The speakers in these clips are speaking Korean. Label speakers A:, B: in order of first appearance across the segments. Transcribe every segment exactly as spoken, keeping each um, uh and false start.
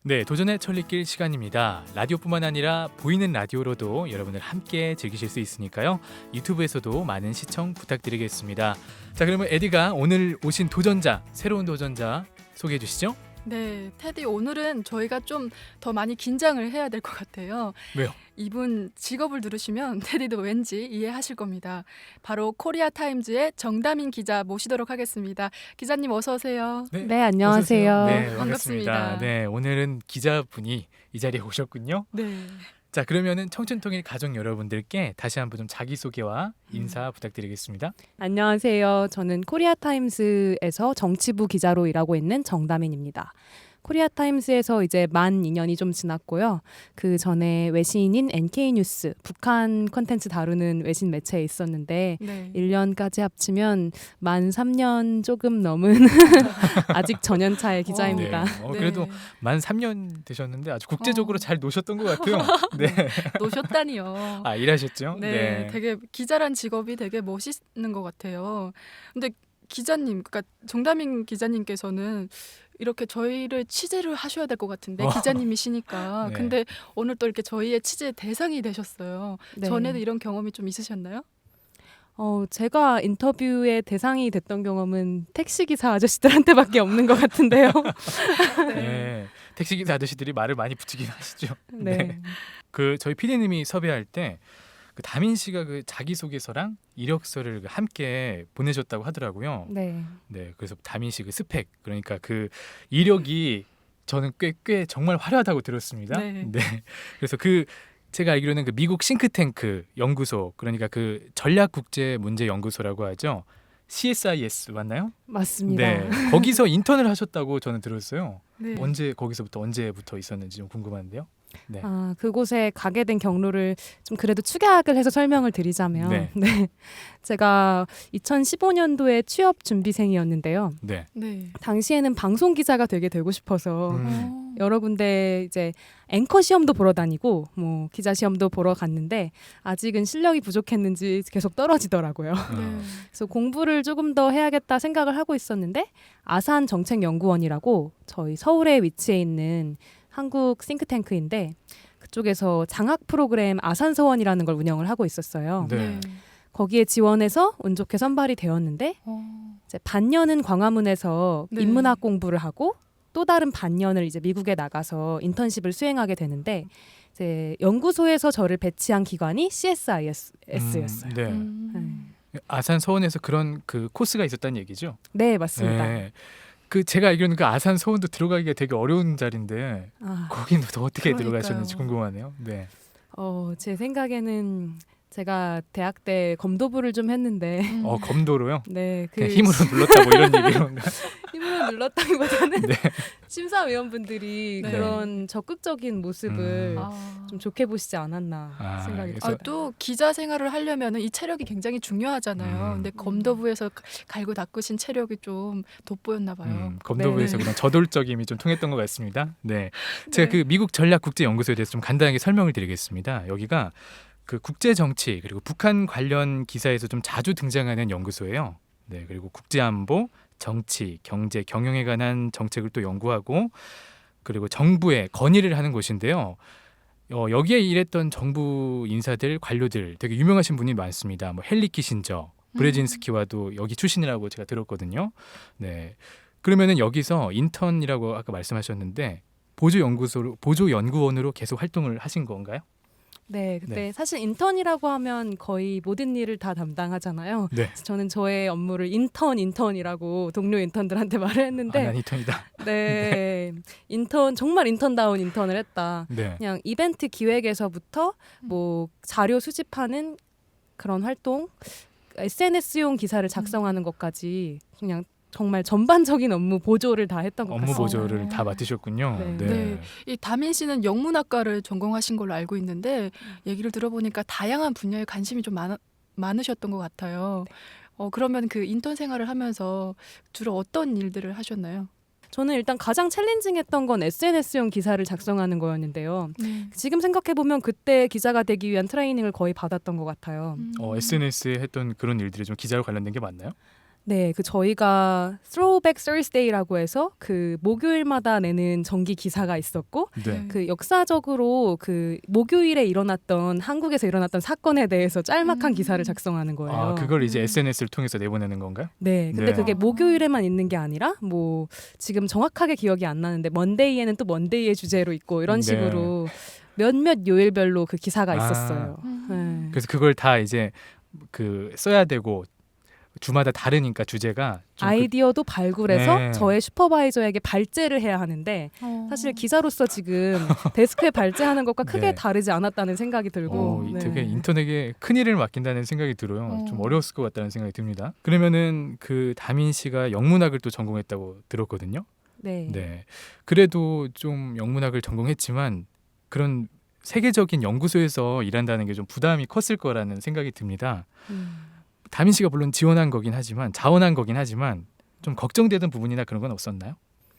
A: 네, 도전의 천리길 시간입니다. 라디오뿐만 아니라 보이는 라디오로도 여러분들 함께 즐기실 수 있으니까요. 유튜브에서도 많은 시청 부탁드리겠습니다. 자, 그러면 에디가 오늘 오신 도전자, 새로운 도전자 소개해 주시죠.
B: 네, 테디 오늘은 저희가 좀 더 많이 긴장을 해야 될 것 같아요.
A: 왜요?
B: 이분 직업을 들으시면 테디도 왠지 이해하실 겁니다. 바로 코리아 타임즈의 정다민 기자 모시도록 하겠습니다. 기자님 어서 오세요.
A: 네,
C: 네, 안녕하세요.
A: 어서 오세요. 네, 반갑습니다.
B: 반갑습니다.
A: 네, 오늘은 기자분이 이 자리에 오셨군요.
B: 네.
A: 자, 그러면은 청춘통일 가족 여러분들께 다시 한번 좀 자기소개와 인사
B: 음.
A: 부탁드리겠습니다.
C: 안녕하세요. 저는 코리아 타임스에서 정치부 기자로 일하고 있는 정다민입니다. 코리아 타임스에서 이제 만 이 년이 좀 지났고요. 그 전에 외신인 엔케이 뉴스, 북한 콘텐츠 다루는 외신 매체에 있었는데
B: 네.
C: 일 년까지 합치면 만 삼 년 조금 넘은 아직 전연차의 기자입니다.
A: 네, 어, 그래도
B: 네.
A: 만 삼 년 되셨는데 아주 국제적으로
B: 어.
A: 잘 노셨던 것 같아요. 네.
B: 노셨다니요.
A: 아, 일하셨죠?
B: 네, 되게 기자란 직업이 되게 멋있는 것 같아요. 근데 기자님, 그러니까 정다민 기자님께서는 이렇게 저희를 취재를 하셔야 될 것 같은데
A: 어.
B: 기자님이시니까.
A: 네.
B: 근데 오늘 또 이렇게 저희의 취재 대상이 되셨어요.
C: 네.
B: 전에도 이런 경험이 좀 있으셨나요?
C: 어, 제가 인터뷰의 대상이 됐던 경험은 택시기사 아저씨들한테밖에 없는 것 같은데요.
A: 네. 택시기사 아저씨들이 말을 많이 붙이긴 하시죠.
C: 네.
A: 네. 그 저희 피디님이 섭외할 때 그 다민 씨가 그 자기소개서랑 이력서를 함께 보내셨다고 하더라고요.
C: 네.
A: 네, 그래서 다민 씨 그 스펙, 그러니까 그 이력이 저는 꽤 꽤 정말 화려하다고 들었습니다.
B: 네.
A: 그래서 그 제가 알기로는 그 미국 싱크탱크 연구소, 그러니까 그 전략국제문제연구소라고 하죠. 씨에스아이에스 맞나요?
C: 맞습니다.
A: 네, 거기서 인턴을 하셨다고 저는 들었어요.
B: 네.
A: 언제 거기서부터 언제부터 있었는지 좀 궁금한데요. 네.
C: 아, 그곳에 가게 된 경로를 좀 그래도 축약을 해서 설명을 드리자면
A: 네.
C: 네. 제가 이천십오 년도에 취업 준비생이었는데요.
A: 네.
B: 네.
C: 당시에는 방송 기자가 되게 되고 싶어서
A: 음.
B: 어.
C: 여러 군데 이제 앵커 시험도 보러 다니고 뭐 기자 시험도 보러 갔는데 아직은 실력이 부족했는지 계속 떨어지더라고요.
B: 네.
C: 그래서 공부를 조금 더 해야겠다 생각을 하고 있었는데 아산 정책연구원이라고 저희 서울에 위치해 있는 한국 싱크탱크인데 그쪽에서 장학 프로그램 아산서원이라는 걸 운영을 하고 있었어요.
A: 네.
B: 네.
C: 거기에 지원해서 운 좋게 선발이 되었는데
B: 어.
C: 이제 반년은 광화문에서
B: 네.
C: 인문학 공부를 하고 또 다른 반년을 이제 미국에 나가서 인턴십을 수행하게 되는데 이제 연구소에서 저를 배치한 기관이 씨에스아이에스였어요.
A: 음, 네.
B: 음.
A: 아산 서원에서 그런 그 코스가 있었다는 얘기죠.
C: 네, 맞습니다.
A: 네. 그 제가 알기로는 그 아산 서원도 들어가기가 되게 어려운 자리인데
C: 아,
A: 거기는 또 어떻게
B: 그러니까요.
A: 들어가셨는지 궁금하네요. 네.
C: 어, 제 생각에는 제가 대학 때 검도부를 좀 했는데
B: 음.
A: 어, 검도로요?
C: 네, 그
A: 그냥 힘으로 눌렀다 뭐 이런 얘기론가?
C: 힘으로 눌렀다기보다는
A: 네.
C: 심사위원분들이
B: 네.
C: 그런 적극적인 모습을
A: 음.
B: 아.
C: 좀 좋게 보시지 않았나
A: 아,
C: 생각이
A: 그래서-
B: 아,
C: 들어요.
B: 또 기자 생활을 하려면 이 체력이 굉장히 중요하잖아요.
A: 음.
B: 근데 검도부에서 가- 갈고 닦으신 체력이 좀 돋보였나 봐요.
A: 음, 검도부에서
B: 네.
A: 그런 저돌적임이 좀 통했던 것 같습니다. 네. 제가
B: 네.
A: 그 미국 전략국제연구소에 대해서 좀 간단하게 설명을 드리겠습니다. 여기가 그 국제 정치 그리고 북한 관련 기사에서 좀 자주 등장하는 연구소예요. 네, 그리고 국제 안보, 정치, 경제, 경영에 관한 정책을 또 연구하고 그리고 정부에 건의를 하는 곳인데요. 어, 여기에 일했던 정부 인사들, 관료들 되게 유명하신 분이 많습니다. 뭐 헨리 키신저, 브레진스키와도 여기 출신이라고 제가 들었거든요. 네. 그러면은 여기서 인턴이라고 아까 말씀하셨는데 보조 연구소로 보조 연구원으로 계속 활동을 하신 건가요?
C: 네, 그때
A: 네.
C: 사실 인턴이라고 하면 거의 모든 일을 다 담당하잖아요.
A: 네.
C: 그래서 저는 저의 업무를 인턴 인턴이라고 동료 인턴들한테 말을
A: 아,
C: 했는데
A: 난 인턴이다.
C: 네, 인턴 정말 인턴다운 인턴을 했다.
A: 네.
C: 그냥 이벤트 기획에서부터
B: 음.
C: 뭐 자료 수집하는 그런 활동, 에스엔에스용 기사를 작성하는 것까지 그냥 정말 전반적인 업무 보조를 다 했던 것
A: 업무
C: 같습니다.
A: 보조를
B: 어.
A: 다 맡으셨군요.
C: 네.
A: 네.
B: 네. 이 다민 씨는 영문학과를 전공하신 걸로 알고 있는데 얘기를 들어보니까 다양한 분야에 관심이 좀 많, 많으셨던 것 같아요. 어, 그러면 그 인턴 생활을 하면서 주로 어떤 일들을 하셨나요?
C: 저는 일단 가장 챌린징했던 건 에스엔에스용 기사를 작성하는 거였는데요. 지금 생각해 보면 그때 기자가 되기 위한 트레이닝을 거의 받았던 것 같아요.
B: 음.
A: 어, 에스엔에스에 했던 그런 일들이 좀 기자와 관련된 게 맞나요?
C: 네, 그 저희가 Throwback Thursday라고 해서 그 목요일마다 내는 정기 기사가 있었고
A: 네.
C: 그 역사적으로 그 목요일에 일어났던 한국에서 일어났던 사건에 대해서 짤막한
B: 음.
C: 기사를 작성하는 거예요.
A: 아, 그걸 이제
B: 음.
A: 에스엔에스를 통해서 내보내는 건가요?
C: 네, 근데
A: 네.
C: 그게
B: 아.
C: 목요일에만 있는 게 아니라 뭐 지금 정확하게 기억이 안 나는데 먼데이에는 또 먼데이의 주제로 있고 이런
A: 네.
C: 식으로 몇몇 요일별로 그 기사가
A: 아.
C: 있었어요.
B: 음.
C: 네.
A: 그래서 그걸 다 이제 그 써야 되고 주마다 다르니까 주제가 좀 그-
C: 아이디어도 발굴해서
A: 네.
C: 저의 슈퍼바이저에게 발제를 해야 하는데
B: 어.
C: 사실 기자로서 지금 데스크에 발제하는 것과 크게
A: 네.
C: 다르지 않았다는 생각이 들고
A: 어, 이
C: 네.
A: 되게 인턴에게 큰 일을 맡긴다는 생각이 들어요.
B: 어.
A: 좀 어려웠을 것 같다는 생각이 듭니다. 그러면은 그 다민 씨가 영문학을 또 전공했다고 들었거든요.
C: 네.
A: 네. 그래도 좀 영문학을 전공했지만 그런 세계적인 연구소에서 일한다는 게 좀 부담이 컸을 거라는 생각이 듭니다.
C: 음.
A: 다민 씨가 물론 지원한 거긴 하지만 자원한 거긴 하지만 좀 걱정되던 부분이나 그런 건 없었나요?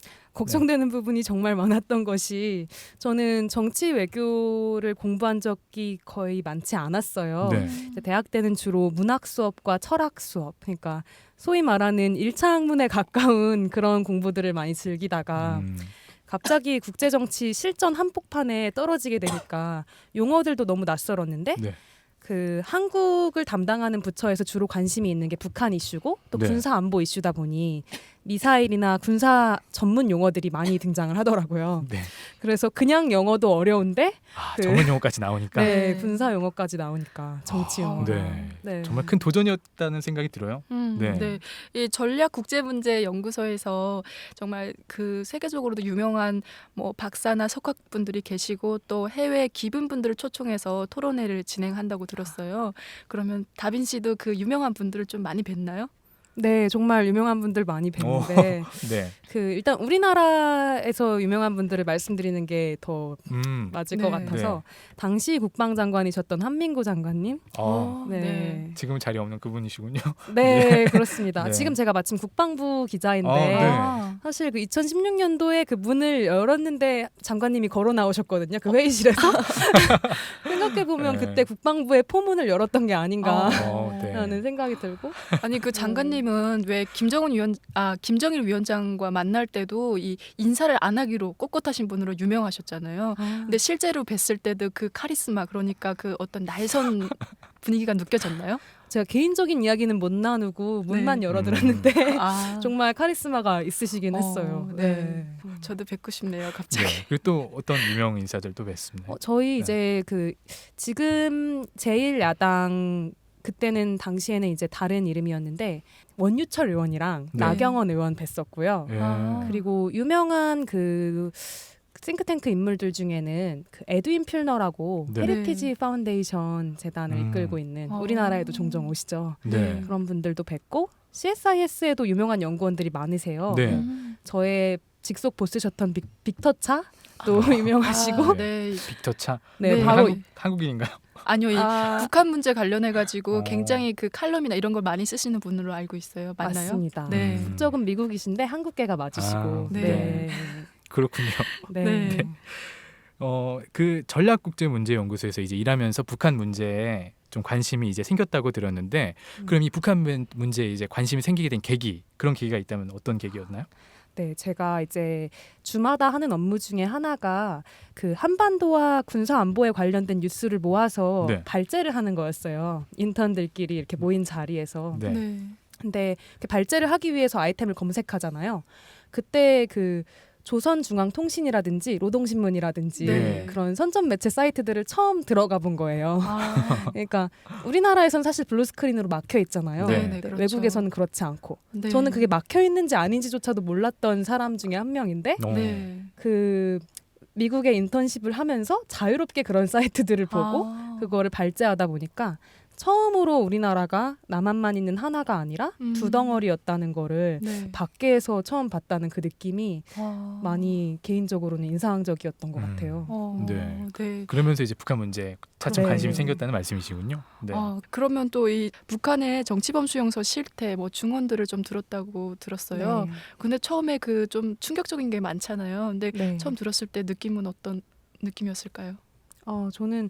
C: 걱정되는 부분이 정말 많았던 것이 저는 정치 외교를 공부한 적이 거의 많지 않았어요.
A: 네.
C: 이제 대학 때는 주로 문학 수업과 철학 수업, 그러니까 소위 말하는 일 차 학문에 가까운 그런 공부들을 많이 즐기다가
A: 음,
C: 갑자기 국제정치 실전 한복판에 떨어지게 되니까 용어들도 너무 낯설었는데
A: 네.
C: 그 한국을 담당하는 부처에서 주로 관심이 있는 게 북한 이슈고 또
A: 네.
C: 군사 안보 이슈다 보니 미사일이나 군사 전문 용어들이 많이 등장을 하더라고요.
A: 네.
C: 그래서 그냥 영어도 어려운데
A: 아,
C: 그-
A: 전문 용어까지 나오니까
C: 네,
B: 네.
C: 군사 용어까지 나오니까 정치
A: 아,
C: 용어.
A: 네.
C: 네.
A: 정말 큰 도전이었다는 생각이 들어요.
B: 음,
A: 네.
B: 네. 이 전략 국제 문제 연구소에서 정말 그 세계적으로도 유명한 뭐 박사나 석학분들이 계시고 또 해외 기분분들을 초청해서 토론회를 진행한다고 들었어요. 그러면 다빈 씨도 그 유명한 분들을 좀 많이 뵀나요?
C: 네, 정말 유명한 분들 많이 뵀는데
A: 네.
C: 그 일단 우리나라에서 유명한 분들을 말씀드리는 게 더
A: 음.
C: 맞을
B: 네.
C: 것 같아서 당시 국방장관이셨던 한민구 장관님,
A: 어,
C: 네,
B: 네.
C: 네,
A: 지금 자리 없는 그분이시군요.
C: 그렇습니다.
A: 네.
C: 지금 제가 마침 국방부 기자인데
A: 아, 네.
B: 아,
C: 사실 그 이천십육 년도에 그 문을 열었는데 장관님이 걸어 나오셨거든요. 그 회의실에서 생각해 보면
A: 네.
C: 그때 국방부의 포문을 열었던 게 아닌가.
A: 어, 네.
C: 라는 생각이 들고
B: 아니 그 장관님은 왜 김정은 위원 아 김정일 위원장과 만날 때도 이 인사를 안 하기로 꼿꼿하신 분으로 유명하셨잖아요. 근데 실제로 뵀을 때도 그 카리스마 그러니까 그 어떤 날선 분위기가 느껴졌나요?
C: 제가 개인적인 이야기는 못 나누고 문만
B: 네.
C: 열어들었는데
B: 아,
C: 정말 카리스마가 있으시긴
B: 어,
C: 했어요.
B: 네.
C: 네.
B: 음, 저도 뵙고 싶네요. 갑자기.
A: 네. 그리고 또 어떤 유명 인사들도 뵀습니다.
C: 어, 저희
A: 네.
C: 이제 그 지금 제일 야당 그때는 당시에는 이제 다른 이름이었는데 원유철 의원이랑
A: 네.
C: 나경원 의원 뵀었고요.
A: 예.
B: 아.
C: 그리고 유명한 그 싱크탱크 인물들 중에는 그 에드윈 퓰너라고
A: 네.
C: 헤리티지 파운데이션 재단을
A: 음.
C: 이끌고 있는
B: 어.
C: 우리나라에도 종종 오시죠.
A: 네.
C: 그런 분들도 뵙고 씨에스아이에스에도 유명한 연구원들이 많으세요.
A: 네.
B: 음.
C: 저의 직속 보스셨던 빅, 빅터 차도 유명하시고
B: 아, 네.
A: 빅터 차.
C: 네,
B: 네.
C: 바로
A: 한국, 한국인인가요?
B: 아니요, 이
C: 아,
B: 북한 문제 관련해 가지고
A: 어.
B: 굉장히 그 칼럼이나 이런 걸 많이 쓰시는 분으로 알고 있어요. 맞나요?
C: 맞습니다.
B: 네.
A: 음.
C: 국적은 미국이신데 한국계가 맞으시고
A: 아,
B: 네.
C: 네.
A: 그렇군요.
C: 네.
B: 네.
A: 어, 그 전략국제문제연구소에서 이제 일하면서 북한 문제에 좀 관심이 이제 생겼다고 들었는데
C: 음.
A: 그럼 이 북한 문- 문제에 이제 관심이 생기게 된 계기 그런 계기가 있다면 어떤 계기였나요?
C: 네, 제가 이제 주마다 하는 업무 중에 하나가 그 한반도와 군사 안보에 관련된 뉴스를 모아서
A: 네.
C: 발제를 하는 거였어요. 인턴들끼리 이렇게 모인 자리에서.
A: 네.
B: 네.
C: 근데 그 발제를 하기 위해서 아이템을 검색하잖아요. 그때 그 조선중앙통신이라든지 노동신문이라든지
A: 네.
C: 그런 선전 매체 사이트들을 처음 들어가 본 거예요.
B: 아,
C: 그러니까 우리나라에선 사실 블루스크린으로 막혀 있잖아요.
A: 네.
B: 네, 네, 그렇죠.
C: 외국에서는 그렇지 않고
B: 네.
C: 저는 그게 막혀 있는지 아닌지조차도 몰랐던 사람 중에 한 명인데
A: 어.
B: 네.
C: 그 미국에 인턴십을 하면서 자유롭게 그런 사이트들을 보고
B: 아.
C: 그거를 발제하다 보니까 처음으로 우리나라가 남한만 있는 하나가 아니라
B: 음.
C: 두 덩어리였다는 거를
B: 네.
C: 밖에서 처음 봤다는 그 느낌이
B: 아.
C: 많이 개인적으로는 인상적이었던 것
A: 음.
C: 같아요.
B: 어,
A: 네.
B: 네.
A: 그러면서 이제 북한 문제에 차츰
C: 네.
A: 관심이 생겼다는 말씀이시군요. 네.
B: 아, 그러면 또 이 북한의 정치범 수용소 실태 뭐 증언들을 좀 들었다고 들었어요.
C: 네.
B: 근데 처음에 그 좀 충격적인 게 많잖아요. 근데
C: 네.
B: 처음 들었을 때 느낌은 어떤 느낌이었을까요?
C: 어, 저는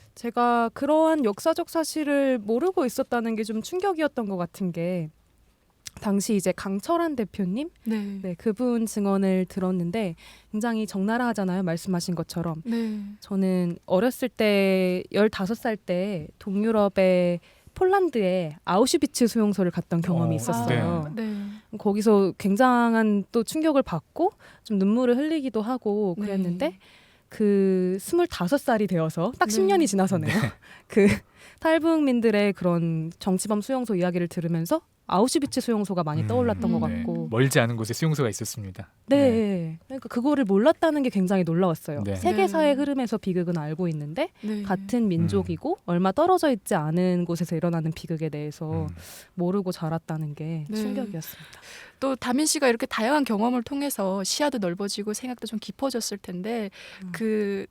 C: 제가 그러한 역사적 사실을 모르고 있었다는 게 좀 충격이었던 것 같은 게 당시 이제 강철한 대표님,
B: 네.
C: 네, 그분 증언을 들었는데 굉장히 적나라하잖아요. 말씀하신 것처럼.
B: 네.
C: 저는 어렸을 때 열다섯 살 때 동유럽의 폴란드에 아우슈비츠 수용소를 갔던 경험이
A: 어,
C: 있었어요.
B: 아, 네.
C: 거기서 굉장한 또 충격을 받고 좀 눈물을 흘리기도 하고 그랬는데
B: 네.
C: 그 스물다섯 살이 되어서 딱
B: 네.
C: 십 년이 지나서네요. 그 탈북민들의 그런 정치범 수용소 이야기를 들으면서 아우슈비츠 수용소가 많이
A: 음,
C: 떠올랐던 것
B: 네.
C: 같고
A: 멀지 않은 곳에 수용소가 있었습니다.
C: 네. 그러니까 그거를 몰랐다는 게 굉장히 놀라웠어요.
A: 네.
C: 세계사의
B: 네.
C: 흐름에서 비극은 알고 있는데
B: 네.
C: 같은 민족이고 얼마 떨어져 있지 않은 곳에서 일어나는 비극에 대해서
A: 음.
C: 모르고 자랐다는 게
B: 네.
C: 충격이었습니다.
B: 또 다민 씨가 이렇게 다양한 경험을 통해서 시야도 넓어지고 생각도 좀 깊어졌을 텐데
C: 음.
B: 그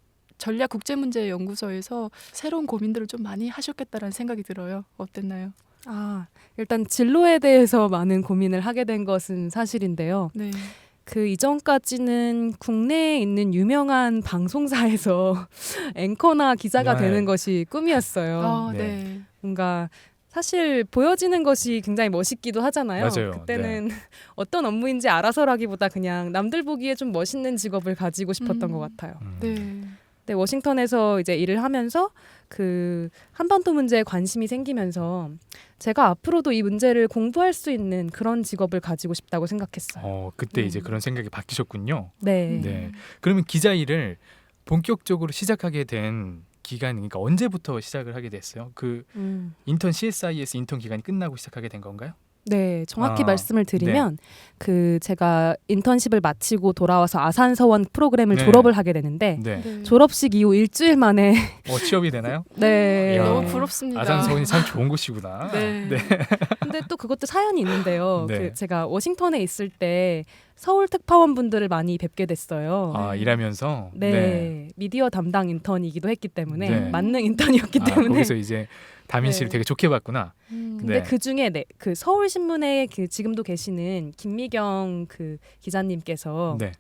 B: 전략국제문제연구소에서 새로운 고민들을 좀 많이 하셨겠다라는 생각이 들어요. 어땠나요?
C: 아, 일단 진로에 대해서 많은 고민을 하게 된 것은 사실인데요.
B: 네.
C: 그 이전까지는 국내에 있는 유명한 방송사에서 앵커나 기자가
A: 네.
C: 되는 것이 꿈이었어요.
B: 아,
A: 네.
B: 네.
C: 뭔가 사실 보여지는 것이 굉장히 멋있기도 하잖아요.
A: 맞아요.
C: 그때는 어떤 업무인지 알아서라기보다 그냥 남들 보기에 좀 멋있는 직업을 가지고 싶었던
B: 음.
C: 것 같아요.
A: 음.
B: 네.
C: 네, 워싱턴에서 이제 일을 하면서 그 한반도 문제에 관심이 생기면서 제가 앞으로도 이 문제를 공부할 수 있는 그런 직업을 가지고 싶다고 생각했어요.
A: 어, 그때 이제
C: 음.
A: 그런 생각이 바뀌셨군요.
C: 네.
A: 네. 그러면 기자 일을 본격적으로 시작하게 된 기간, 그러니까 언제부터 시작을 하게 됐어요? 그
C: 음.
A: 인턴 씨에스아이에스 인턴 기간이 끝나고 시작하게 된 건가요?
C: 네, 정확히
A: 아,
C: 말씀을 드리면 그 제가 인턴십을 마치고 돌아와서 아산서원 프로그램을
A: 네.
C: 졸업을 하게 되는데
A: 네.
B: 네.
C: 졸업식 이후 일주일 만에
A: 어, 취업이 되나요?
C: 네.
A: 이야.
B: 너무 부럽습니다.
A: 아산서원이 참 좋은 곳이구나.
B: 네.
C: 근데 또 그것도 사연이 있는데요.
A: 네.
C: 그 제가 워싱턴에 있을 때 서울 특파원 분들을 많이 뵙게 됐어요.
A: 아,
B: 네.
A: 일하면서
C: 네. 미디어 담당 인턴이기도 했기 때문에
A: 네.
C: 만능 인턴이었기
A: 아,
C: 때문에
A: 거기서 이제 다민 씨를
C: 네.
A: 되게 좋게 봤구나.
B: 음.
C: 근데
A: 네.
C: 그 중에 네, 그 서울 신문에 그 지금도 계시는 김미경 그 기자님께서
A: 네.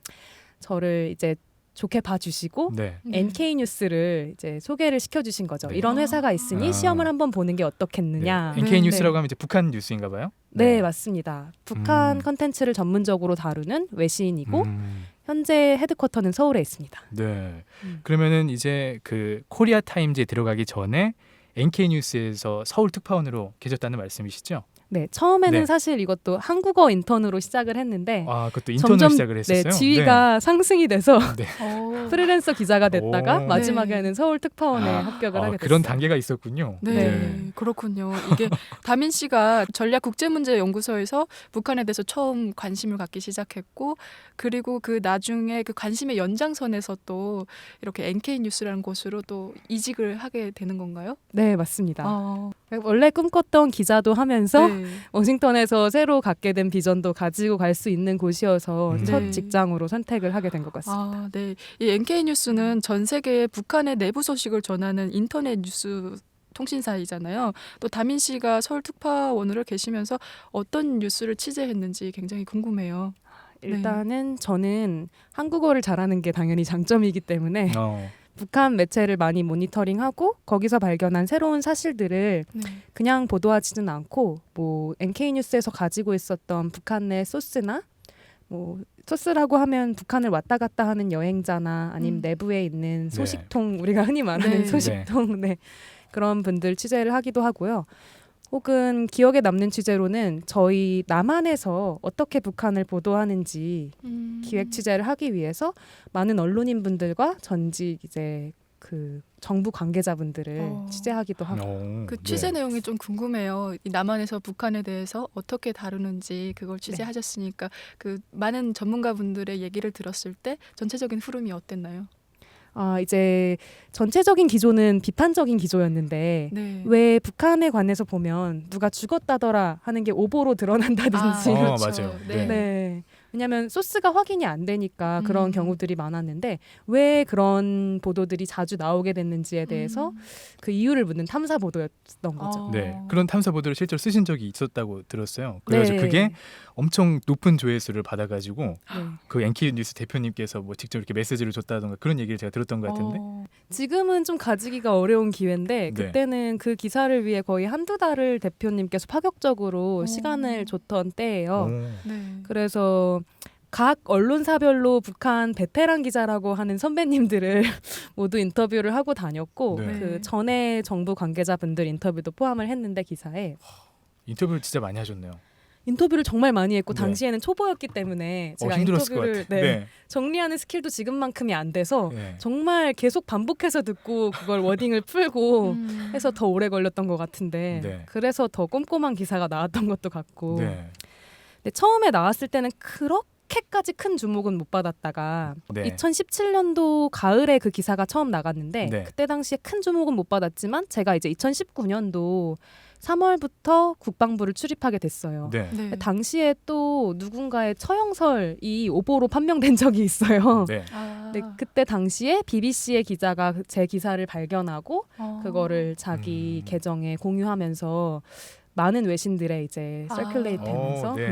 C: 저를 이제 좋게 봐주시고
A: 네.
B: 네.
C: 엔케이 뉴스를 이제 소개를 시켜주신 거죠.
A: 네.
C: 이런 회사가 있으니
A: 아.
C: 시험을 한번 보는 게 어떻겠느냐.
A: 네. 엔케이
B: 네.
A: 뉴스라고 하면 이제 북한 뉴스인가 봐요.
C: 네, 맞습니다. 북한
A: 음.
C: 컨텐츠를 전문적으로 다루는 외신이고
A: 음.
C: 현재 헤드쿼터는 서울에 있습니다.
A: 네.
C: 음.
A: 그러면은 이제 그 코리아 타임즈에 들어가기 전에 엔케이 뉴스에서 서울 특파원으로 계셨다는 말씀이시죠?
C: 네, 처음에는
A: 네.
C: 사실 이것도 한국어 인턴으로 시작을 했는데
A: 아, 그것도 인턴으로
C: 점점
A: 시작을 했었어요.
C: 네, 지위가 상승이 돼서
A: 네. 네.
B: 어.
C: 프리랜서 기자가 됐다가
A: 오.
C: 마지막에는 서울 특파원에
A: 아,
C: 합격을
A: 아,
C: 하게 됐어요.
A: 그런 단계가 있었군요.
B: 네,
C: 네.
B: 그렇군요. 이게 다민 씨가 전략국제문제연구소에서 북한에 대해서 처음 관심을 갖기 시작했고, 그리고 그 나중에 그 관심의 연장선에서 또 이렇게 엔케이 뉴스라는 곳으로 또 이직을 하게 되는 건가요?
C: 네, 맞습니다.
B: 아,
C: 원래 꿈꿨던 기자도 하면서
B: 네.
C: 워싱턴에서 새로 갖게 된 비전도 가지고 갈 수 있는 곳이어서
A: 음.
C: 첫
B: 네.
C: 직장으로 선택을 하게 된 것 같습니다.
B: 아, 네. 이 엔케이 뉴스는 전 세계에 북한의 내부 소식을 전하는 인터넷 뉴스 통신사이잖아요. 또 다민 씨가 서울 특파원으로 계시면서 어떤 뉴스를 취재했는지 굉장히 궁금해요.
C: 일단은 저는 한국어를 잘하는 게 당연히 장점이기 때문에
A: 어.
C: 북한 매체를 많이 모니터링하고 거기서 발견한 새로운 사실들을
B: 네.
C: 그냥 보도하지는 않고 뭐 엔케이 뉴스에서 가지고 있었던 북한 내 소스나 뭐 소스라고 하면 북한을 왔다 갔다 하는 여행자나 아니면
B: 음.
C: 내부에 있는
A: 네.
C: 소식통 우리가 흔히 말하는
B: 네.
C: 소식통 네. 그런 분들 취재를 하기도 하고요. 혹은 기억에 남는 취재로는 저희 남한에서 어떻게 북한을 보도하는지
B: 음.
C: 기획 취재를 하기 위해서 많은 언론인 분들과 전직 이제 그 정부 관계자분들을
B: 어.
C: 취재하기도 하고
A: 어,
B: 그
A: 네.
B: 취재 내용이 좀 궁금해요. 이 남한에서 북한에 대해서 어떻게 다루는지 그걸 취재하셨으니까 그 많은 전문가분들의 얘기를 들었을 때 전체적인 흐름이 어땠나요?
C: 아 이제 전체적인 기조는 비판적인 기조였는데
B: 네.
C: 왜 북한에 관해서 보면 누가 죽었다더라 하는 게 오보로 드러난다든지
A: 어,
B: 그렇죠.
A: 맞아요.
B: 네.
A: 네.
C: 네. 왜냐하면 소스가 확인이 안 되니까 그런
B: 음.
C: 경우들이 많았는데 왜 그런 보도들이 자주 나오게 됐는지에 대해서
B: 음.
C: 그 이유를 묻는 탐사 보도였던 거죠.
B: 어.
A: 네, 그런 탐사 보도를 실제로 쓰신 적이 있었다고 들었어요. 그래서
C: 네.
A: 그게 엄청 높은 조회수를 받아가지고
C: 네.
A: 그 엔케이 뉴스 대표님께서 뭐 직접 이렇게 메시지를 줬다던가 그런 얘기를 제가 들었던 것 같은데.
B: 어.
C: 지금은 좀 가지기가 어려운
A: 네.
C: 기회인데 그때는 그 기사를 위해 거의 한두 달을 대표님께서 파격적으로
B: 오.
C: 시간을 줬던 때예요.
A: 오.
B: 네.
C: 그래서 각 언론사별로 북한 베테랑 기자라고 하는 선배님들을 모두 인터뷰를 하고 다녔고
A: 네.
C: 그 전에 정부 관계자분들 인터뷰도 포함을 했는데 기사에
A: 인터뷰를 진짜 많이 하셨네요.
C: 인터뷰를 정말 많이 했고
A: 네.
C: 당시에는 초보였기 때문에
A: 어,
C: 제가
A: 힘들었을 것
C: 인터뷰를
A: 같아.
C: 네,
A: 네.
C: 정리하는 스킬도 지금만큼이 안 돼서
A: 네.
C: 정말 계속 반복해서 듣고 그걸 워딩을 풀고
B: 음.
C: 해서 더 오래 걸렸던 것 같은데
A: 네.
C: 그래서 더 꼼꼼한 기사가 나왔던 것도 같고
A: 네.
C: 근데 처음에 나왔을 때는 그렇게까지 큰 주목은 못 받았다가
A: 네.
C: 이천십칠 년도 가을에 그 기사가 처음 나갔는데
A: 네.
C: 그때 당시에 큰 주목은 못 받았지만 제가 이제 이천십구 년도 삼월부터 국방부를 출입하게 됐어요.
A: 네.
B: 네.
C: 당시에 또 누군가의 처형설이 오보로 판명된 적이 있어요.
A: 네.
B: 아.
C: 네, 그때 당시에 비비씨의 기자가 제 기사를 발견하고
B: 어.
C: 그거를 자기
A: 음.
C: 계정에 공유하면서 많은 외신들에 이제
B: 아.
C: 서큘레이트 하면서
A: 어, 네.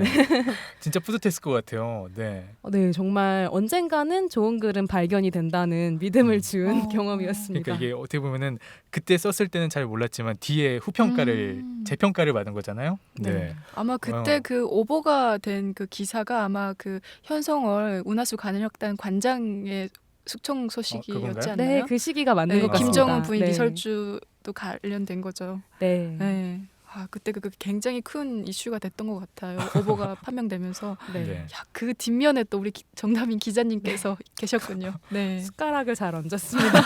A: 진짜 뿌듯했을 것 같아요. 네.
C: 어, 네, 정말 언젠가는 좋은 글은 발견이 된다는 믿음을
A: 음.
C: 준
B: 어.
C: 경험이었습니다.
A: 그러니까 이게 어떻게 보면은 그때 썼을 때는 잘 몰랐지만 뒤에 후평가를
B: 음.
A: 재평가를 받은 거잖아요. 네.
C: 네.
B: 아마 그때
A: 어.
B: 그 오보가 된 그 기사가 아마 그 현성월 운하수 관현악단 관장의 숙청 소식이었지
A: 그건가요?
B: 않나요?
C: 네, 그 시기가 맞는
B: 네,
C: 것 같습니다.
B: 김정은 부인
C: 네.
B: 리설주도 관련된 거죠.
C: 네.
B: 네. 아 그때 그 굉장히 큰 이슈가 됐던 것 같아요. 오보가 판명되면서
C: 네.
A: 네.
B: 야, 그 뒷면에 또 우리 기- 정다민 기자님께서 계셨군요. 네.
C: 숟가락을 잘 얹었습니다.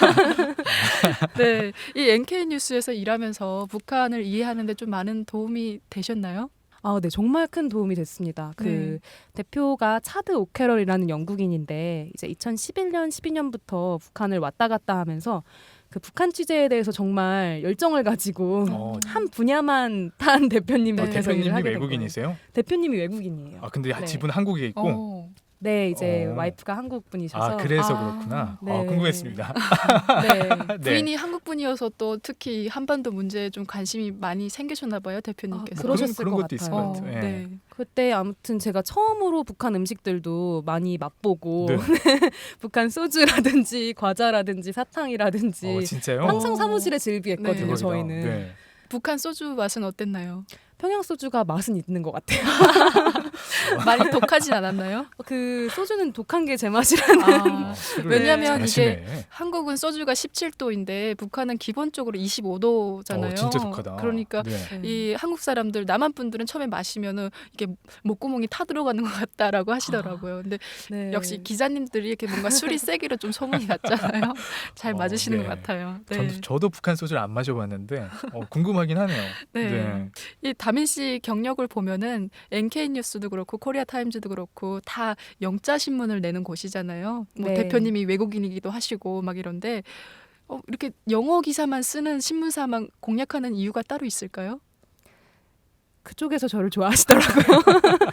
B: 네. 이 엔케이 뉴스에서 일하면서 북한을 이해하는데 좀 많은 도움이 되셨나요?
C: 아, 네, 정말 큰 도움이 됐습니다. 그
B: 네.
C: 대표가 차드 오캐럴이라는 영국인인데 이제 이천십일 년, 십이 년부터 북한을 왔다 갔다 하면서 그 북한 취재에 대해서 정말 열정을 가지고
A: 어,
C: 한 분야만 탄 대표님이
B: 네.
C: 돼서 일을
A: 대표님이
C: 하게 된
A: 외국인이세요?
C: 거예요. 대표님이 외국인이에요.
A: 아 근데
C: 네.
A: 집은 한국에 있고.
B: 어.
C: 네, 이제
A: 어.
C: 와이프가 한국 분이셔서
A: 아 그래서
B: 아,
A: 그렇구나.
C: 네.
A: 아, 궁금했습니다.
C: 네.
A: 네.
B: 부인이 한국 분이어서 또 특히 한반도 문제에 좀 관심이 많이 생기셨나 봐요, 대표님께서.
C: 아, 그러셨을
A: 그런, 그런
C: 것
A: 것도 있을
C: 같아요.
A: 것 같아요. 예.
B: 네.
C: 그때 아무튼 제가 처음으로 북한 음식들도 많이 맛보고
A: 네.
C: 북한 소주라든지 과자라든지 사탕이라든지
A: 어, 진짜요?
C: 항상
B: 어.
C: 사무실에 즐비했거든요.
B: 네.
A: 대박이다.
C: 저희는
A: 네.
B: 북한 소주 맛은 어땠나요?
C: 평양 소주가 맛은 있는 것 같아요.
B: 많이 독하진 않았나요?
C: 그 소주는 독한 게 제 맛이라는.
B: 아,
A: 어, 술을
B: 왜냐면
A: 잘하시네.
B: 한국은 소주가 십칠 도인데 북한은 기본적으로 이십오 도잖아요.
A: 어, 진짜 독하다.
B: 그러니까
A: 네.
B: 이 한국 사람들 남한 분들은 처음에 마시면은 이게 목구멍이 타 들어가는 것 같다라고 하시더라고요. 근데
C: 네.
B: 역시 기자님들이 이렇게 뭔가 술이 세기로 좀 소문이 났잖아요. 잘
A: 어,
B: 맞으시는
A: 네.
B: 것 같아요. 네.
A: 전, 저도 북한 소주를 안 마셔봤는데 어, 궁금하긴 하네요.
B: 네. 이 다민 씨 경력을 보면은 엔케이 뉴스도 그렇고 코리아 타임즈도 그렇고 다 영자 신문을 내는 곳이잖아요. 뭐
C: 네.
B: 대표님이 외국인이기도 하시고 막 이런데 어, 이렇게 영어 기사만 쓰는 신문사만 공략하는 이유가 따로 있을까요?
C: 그쪽에서 저를 좋아하시더라고요.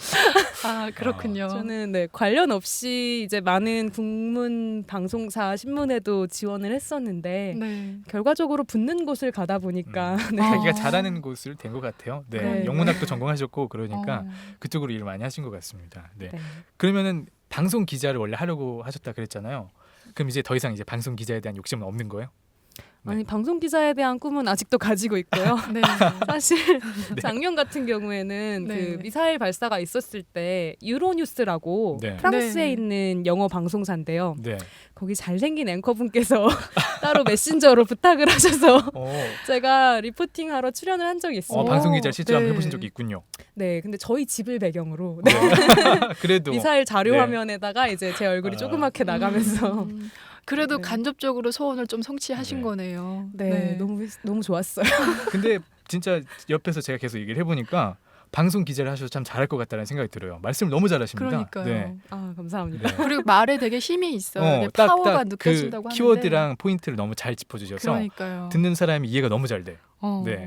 B: 아 그렇군요.
C: 저는 네, 관련 없이 이제 많은 국문 방송사 신문에도 지원을 했었는데
B: 네.
C: 결과적으로 붙는 곳을 가다 보니까
A: 음.
C: 네.
B: 아.
A: 자기가 잘하는 곳을 된 것 같아요. 네.
C: 네.
A: 영문학도 전공하셨고 그러니까
B: 어.
A: 그쪽으로 일을 많이 하신 것 같습니다. 네.
C: 네.
A: 그러면은 방송 기자를 원래 하려고 하셨다 그랬잖아요. 그럼 이제 더 이상 이제 방송 기자에 대한 욕심은 없는 거예요? 네.
C: 아니 방송 기자에 대한 꿈은 아직도 가지고 있고요.
B: 네.
C: 사실
A: 네.
C: 작년 같은 경우에는
B: 네.
C: 그 미사일 발사가 있었을 때 유로뉴스라고
A: 네.
C: 프랑스에
B: 네.
C: 있는 영어 방송사인데요.
A: 네.
C: 거기 잘생긴 앵커분께서 따로 메신저로 부탁을 하셔서
A: 어,
C: 제가 리포팅하러 출연을 한 적이 있어요.
A: 어, 방송 기자 실제
B: 네.
A: 한번 해보신 적이 있군요.
C: 네, 근데 저희 집을 배경으로 네.
A: 어, 그래도
C: 미사일 자료
A: 네.
C: 화면에다가 이제 제 얼굴이
A: 아.
C: 조그맣게 나가면서
B: 음, 그래도
C: 네.
B: 간접적으로 소원을 좀 성취하신
A: 네.
B: 거네요.
C: 네, 너무 너무 좋았어요.
A: 근데 진짜 옆에서 제가 계속 얘기를 해보니까 방송 기자를 하셔서 참 잘할 것 같다는 생각이 들어요. 말씀을 너무 잘하십니다.
B: 그러니까요.
A: 네.
C: 아, 감사합니다.
A: 네.
B: 그리고 말에 되게 힘이 있어요.
A: 어,
B: 네,
A: 딱,
B: 파워가
A: 딱
B: 느껴진다고
A: 그
B: 하는데.
A: 키워드랑 포인트를 너무 잘 짚어주셔서
B: 그러니까요.
A: 듣는 사람이 이해가 너무 잘 돼.
B: 어.
A: 네.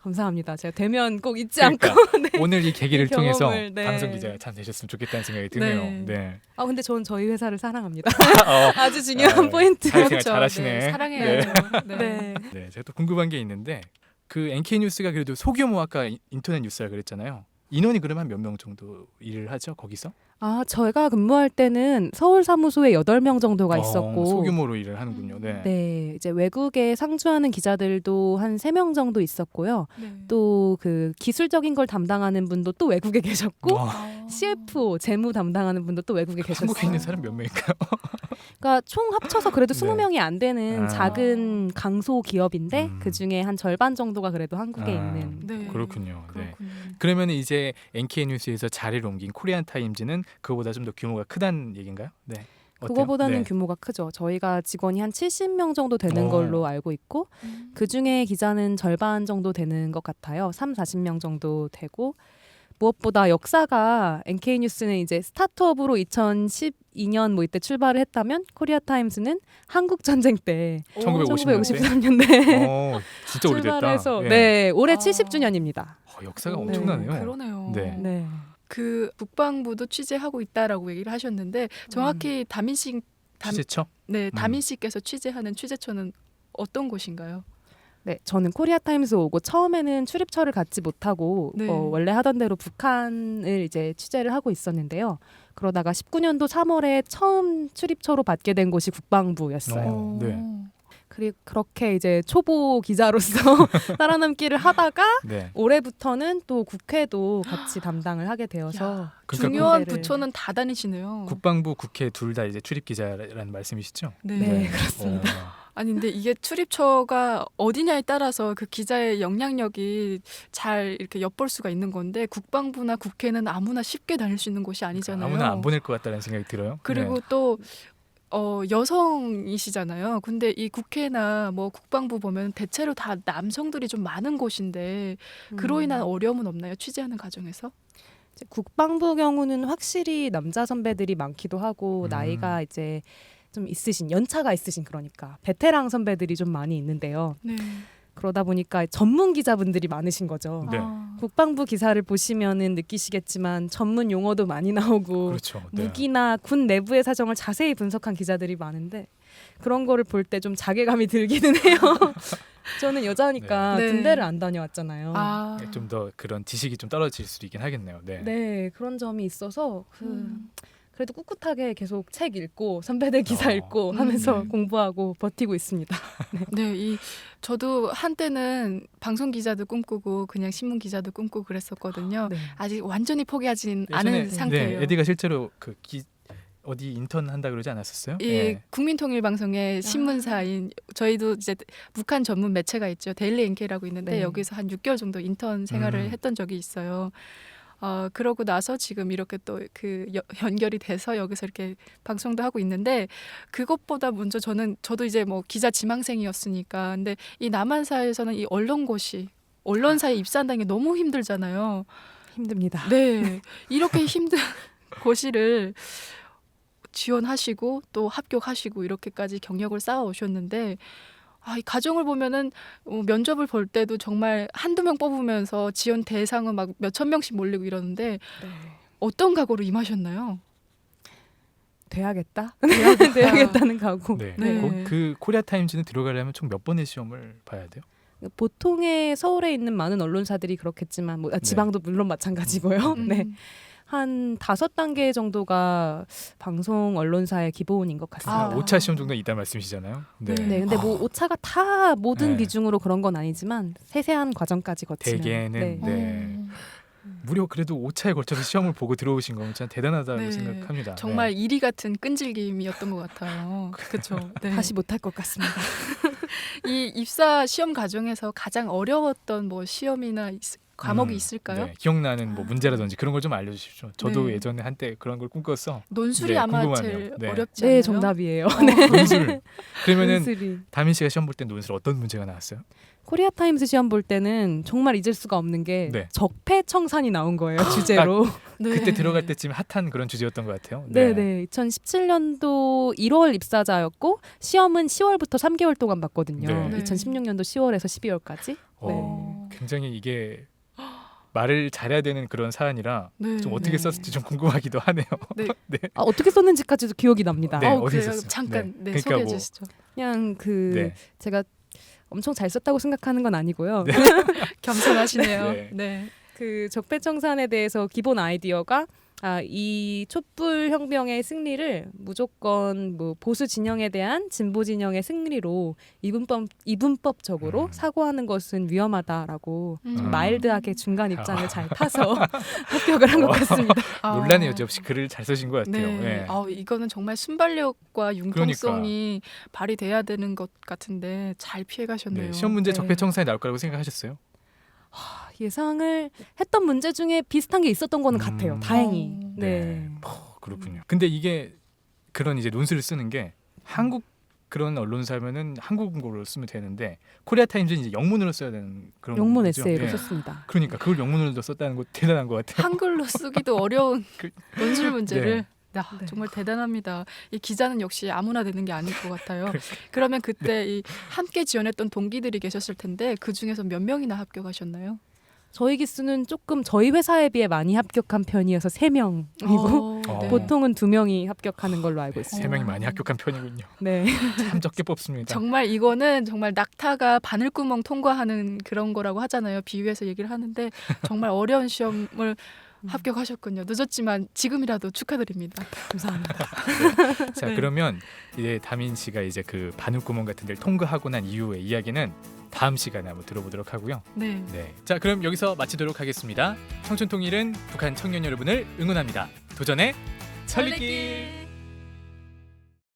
C: 감사합니다. 제가 되면 꼭 잊지
A: 그러니까
C: 않고. 네.
A: 오늘 이 계기를
C: 이
A: 통해서
C: 경험을, 네.
A: 방송 기자가 참 되셨으면 좋겠다는 생각이 드네요.
B: 네.
A: 네.
C: 아 근데 저는 저희 회사를 사랑합니다.
A: 어,
C: 아주 중요한
A: 아,
C: 포인트.
A: 사회생활
B: 그렇죠.
A: 잘하시네.
B: 네, 사랑해야죠. 네.
C: 네.
A: 네, 제가 또 궁금한 게 있는데 그 엔케이 뉴스가 그래도 소규모 아까 인- 인터넷 뉴스라 그랬잖아요. 인원이 그러면 몇 명 정도 일을 하죠 거기서?
C: 아 저희가 근무할 때는 서울 사무소에 여덟 명 정도가 있었고
A: 어, 소규모로 일을 하는군요. 네.
C: 네, 이제 외국에 상주하는 기자들도 한 세 명 정도 있었고요.
B: 네.
C: 또 그 기술적인 걸 담당하는 분도 또 외국에 계셨고
A: 와,
B: 아.
C: 씨에프오 재무 담당하는 분도 또 외국에 계셨어요.
A: 한국에 있는 사람 몇 명일까요?
C: 그러니까 총 합쳐서 그래도
A: 네.
C: 스무 명이 안 되는
A: 아.
C: 작은 강소 기업인데
A: 음.
C: 그 중에 한 절반 정도가 그래도 한국에
A: 아.
C: 있는.
B: 네.
A: 그렇군요. 네.
B: 그렇군요.
A: 그러면 이제 엔케이 뉴스에서 자리를 옮긴 코리안 타임즈는 그거보다 좀 더 규모가 크다는 얘기인가요? 네. 어때요?
C: 그거보다는
A: 네.
C: 규모가 크죠. 저희가 직원이 한 칠십 명 정도 되는
A: 오.
C: 걸로 알고 있고
B: 음.
C: 그 중에 기자는 절반 정도 되는 것 같아요. 삼, 사십 명 정도 되고 무엇보다 역사가 엔케이 뉴스는 이제 스타트업으로 이천십이 년 뭐 이때 출발을 했다면 코리아 타임스는 한국 전쟁 때
B: 오,
A: 천구백오십 년대?
C: 천구백오십삼 년대
A: 어, 진짜 오래됐다.
C: 출발해서
A: 예.
C: 네 올해
B: 아.
C: 칠십 주년입니다.
A: 어, 역사가
B: 오,
A: 엄청나네요.
B: 그러네요.
A: 네.
C: 네.
B: 그 국방부도 취재하고 있다라고 얘기를 하셨는데 정확히 다민 씨, 담,
A: 취재처?
B: 네,
A: 음.
B: 다민 씨께서 취재하는 취재처는 어떤 곳인가요?
C: 네, 저는 코리아 타임스 오고 처음에는 출입처를 갖지 못하고
B: 네.
C: 어, 원래 하던 대로 북한을 이제 취재를 하고 있었는데요. 그러다가 십구 년도 삼월에 처음 출입처로 받게 된 곳이 국방부였어요.
A: 어, 네.
C: 그리고 그렇게 이제 초보 기자로서 살아남기를 하다가
A: 네.
C: 올해부터는 또 국회도 같이 담당을 하게 되어서
B: 야,
A: 그러니까
B: 중요한
C: 군대를-
B: 부처는 다 다니시네요.
A: 국방부, 국회 둘 다 이제 출입 기자라는 말씀이시죠?
B: 네.
C: 네,
A: 그렇습니다.
B: 아니 근데 이게 출입처가 어디냐에 따라서 그 기자의 영향력이 잘 이렇게 엿볼 수가 있는 건데 국방부나 국회는 아무나 쉽게 다닐 수 있는 곳이 아니잖아요.
A: 아무나 안 보낼 것 같다는 생각이 들어요.
B: 그리고
A: 네.
B: 또 어, 여성이시잖아요. 근데 이 국회나 뭐 국방부 보면 대체로 다 남성들이 좀 많은 곳인데 그로 인한
C: 음.
B: 어려움은 없나요? 취재하는 과정에서?
C: 이제 국방부 경우는 확실히 남자 선배들이 많기도 하고
A: 음.
C: 나이가 이제 좀 있으신 연차가 있으신 그러니까 베테랑 선배들이 좀 많이 있는데요.
B: 네.
C: 그러다 보니까 전문 기자분들이 많으신 거죠.
A: 네.
B: 아,
C: 국방부 기사를 보시면은 느끼시겠지만 전문 용어도 많이 나오고
A: 그렇죠. 네.
C: 무기나 군 내부의 사정을 자세히 분석한 기자들이 많은데 그런 거를 볼 때 좀 자괴감이 들기는 해요. 저는 여자니까
B: 네.
C: 군대를 안 다녀왔잖아요.
B: 아.
A: 좀 더 그런 지식이 좀 떨어질 수도 있긴 하겠네요. 네.
C: 네, 그런 점이 있어서 그
B: 음.
C: 그래도 꿋꿋하게 계속 책 읽고 선배들 기사
A: 어.
C: 읽고
B: 음.
C: 하면서
A: 네.
C: 공부하고 버티고 있습니다.
B: 네, 이 저도 한때는 방송 기자도 꿈꾸고 그냥 신문 기자도 꿈꾸고 그랬었거든요.
C: 네.
B: 아직 완전히 포기하진
A: 예전에-
B: 않은
C: 네,
B: 상태예요.
A: 네, 에디가 실제로 그 기, 어디 인턴 한다 그러지 않았었어요?
B: 이
A: 네.
B: 국민통일방송의 신문사인 저희도 이제 북한 전문 매체가 있죠. 데일리 엔케이라고 있는데
C: 네.
B: 여기서 한 육 개월 정도 인턴 생활을
A: 음.
B: 했던 적이 있어요. 어, 그러고 나서 지금 이렇게 또 그 연결이 돼서 여기서 이렇게 방송도 하고 있는데 그것보다 먼저 저는 저도 이제 뭐 기자 지망생이었으니까 근데 이 남한사에서는 이 언론고시 언론사에 입사한다는 게 너무 힘들잖아요.
C: 힘듭니다.
B: 네. 이렇게 힘든 고시를 지원하시고 또 합격하시고 이렇게까지 경력을 쌓아 오셨는데 아, 이 가정을 보면은 어, 면접을 볼 때도 정말 한두 명 뽑으면서 지원 대상은 막 몇천 명씩 몰리고 이러는데
C: 네.
B: 어떤 각오로 임하셨나요?
C: 돼야겠다.
B: 돼야겠다.
C: 돼야겠다는 각오.
A: 네.
B: 네.
A: 거- 그 코리아 타임즈는 들어가려면 총 몇 번의 시험을 봐야 돼요?
C: 보통의 서울에 있는 많은 언론사들이 그렇겠지만 뭐, 아, 지방도 물론 마찬가지고요.
B: 음.
C: 네. 한 다섯 단계 정도가 방송 언론사의 기본인 것 같습니다.
B: 아.
A: 오 차 시험 정도 있다는 말씀이시잖아요. 네.
B: 네.
C: 네, 근데 뭐 오차가 다 모든
A: 네.
C: 비중으로 그런 건 아니지만 세세한 과정까지 거치는.
A: 대개는
C: 네.
A: 네.
B: 어,
A: 무려 그래도 오 차에 걸쳐서 시험을 보고 들어오신 건 진짜 대단하다고
B: 네.
A: 생각합니다.
B: 정말 이리 같은 끈질김이었던 것 같아요. 그렇죠. 네.
C: 다시 못할 것 같습니다.
B: 이 입사 시험 과정에서 가장 어려웠던 뭐 시험이나 있- 과목이
A: 음,
B: 있을까요?
A: 네. 기억나는 뭐 문제라든지 그런 걸 좀 알려주십시오. 저도
B: 네.
A: 예전에 한때 그런 걸 꿈꿨어.
B: 논술이
A: 네,
B: 아마
A: 궁금하네요.
B: 제일
A: 네.
B: 어렵지 않나요?
C: 네, 정답이에요.
A: 논술. 그러면은
C: 논술이.
A: 다민 씨가 시험 볼 때 논술 어떤 문제가 나왔어요?
C: 코리아 타임스 시험 볼 때는 정말 잊을 수가 없는 게
A: 네.
C: 적폐청산이 나온 거예요 주제로.
B: 네.
A: 그때 들어갈 때쯤 핫한 그런 주제였던 것 같아요.
C: 네, 네. 이천십칠 년도 일월 입사자였고 시험은 시월부터 삼 개월 동안 봤거든요.
A: 네.
B: 네.
C: 이천십육 년도 시월에서 십이월까지.
A: 어, 굉장히 이게 말을 잘해야 되는 그런 사안이라
B: 네.
A: 좀 어떻게
C: 네.
A: 썼을지 좀 궁금하기도 하네요.
B: 네.
A: 네.
C: 아, 어떻게 썼는지까지도 기억이 납니다.
A: 네,
B: 어,
A: 어디
B: 그래요?
A: 있었어요?
B: 잠깐
A: 네.
B: 네,
A: 그러니까
B: 소개해
A: 뭐-
B: 주시죠.
C: 그냥 그
A: 네.
C: 제가 엄청 잘 썼다고 생각하는 건 아니고요.
A: 네.
B: 겸손하시네요.
A: 네.
B: 네.
C: 그 적폐청산에 대해서 기본 아이디어가 아, 이 촛불 혁명의 승리를 무조건 뭐 보수 진영에 대한 진보 진영의 승리로 이분법 이분법적으로
A: 음.
C: 사고하는 것은 위험하다라고
B: 음.
C: 좀
A: 음.
C: 마일드하게 중간 입장을 잘 타서 합격을 한 것 같습니다.
B: 아.
A: 논란의 여지 없이 글을 잘 쓰신 것 같아요.
B: 네.
A: 네.
B: 아, 이거는 정말 순발력과 융통성이
A: 그러니까.
B: 발휘돼야 되는 것 같은데 잘 피해 가셨네요.
A: 네, 시험 문제
B: 네.
A: 적폐청산에 나올 거라고 생각하셨어요?
C: 예상을 했던 문제 중에 비슷한 게 있었던 거는
A: 음.
C: 같아요. 다행히.
B: 어.
C: 네.
A: 어, 그렇군요. 근데 이게 그런 이제 논술을 쓰는 게 한국 그런 언론사면은 한국어로 쓰면 되는데 코리아 타임즈는 이제 영문으로 써야 되는 그런
C: 영문
A: 거죠.
C: 에세이로
A: 예.
C: 썼습니다.
A: 그러니까 그걸 영문으로 썼다는 거 대단한 것 같아요.
B: 한글로 쓰기도 어려운
A: 그-
B: 논술 문제를 아,
C: 네.
B: 정말 대단합니다. 이 기자는 역시 아무나 되는 게 아닐 것 같아요.
A: 그러니까.
B: 그러면 그때 이 함께 지원했던 동기들이 계셨을 텐데 그 중에서 몇 명이나 합격하셨나요?
C: 저희 기수는 조금 저희 회사에 비해 많이 합격한 편이어서 세 명이고
B: 어,
A: 어.
C: 보통은 두 명이 합격하는 걸로 알고 있습니다.
A: 세 명이 많이 합격한 편이군요.
C: 네.
A: 참 적게 뽑습니다.
B: 정말 이거는 정말 낙타가 바늘구멍 통과하는 그런 거라고 하잖아요. 비유해서 얘기를 하는데 정말 어려운 시험을 합격하셨군요. 늦었지만 지금이라도 축하드립니다.
C: 감사합니다.
A: 자
B: 네.
A: 그러면 이제 다민 씨가 이제 그 바늘구멍 같은 데를 통과하고 난 이후의 이야기는 다음 시간에 한번 들어보도록 하고요.
B: 네.
A: 네. 자 그럼 여기서 마치도록 하겠습니다. 청춘통일은 북한 청년 여러분을 응원합니다. 도전의 천리길.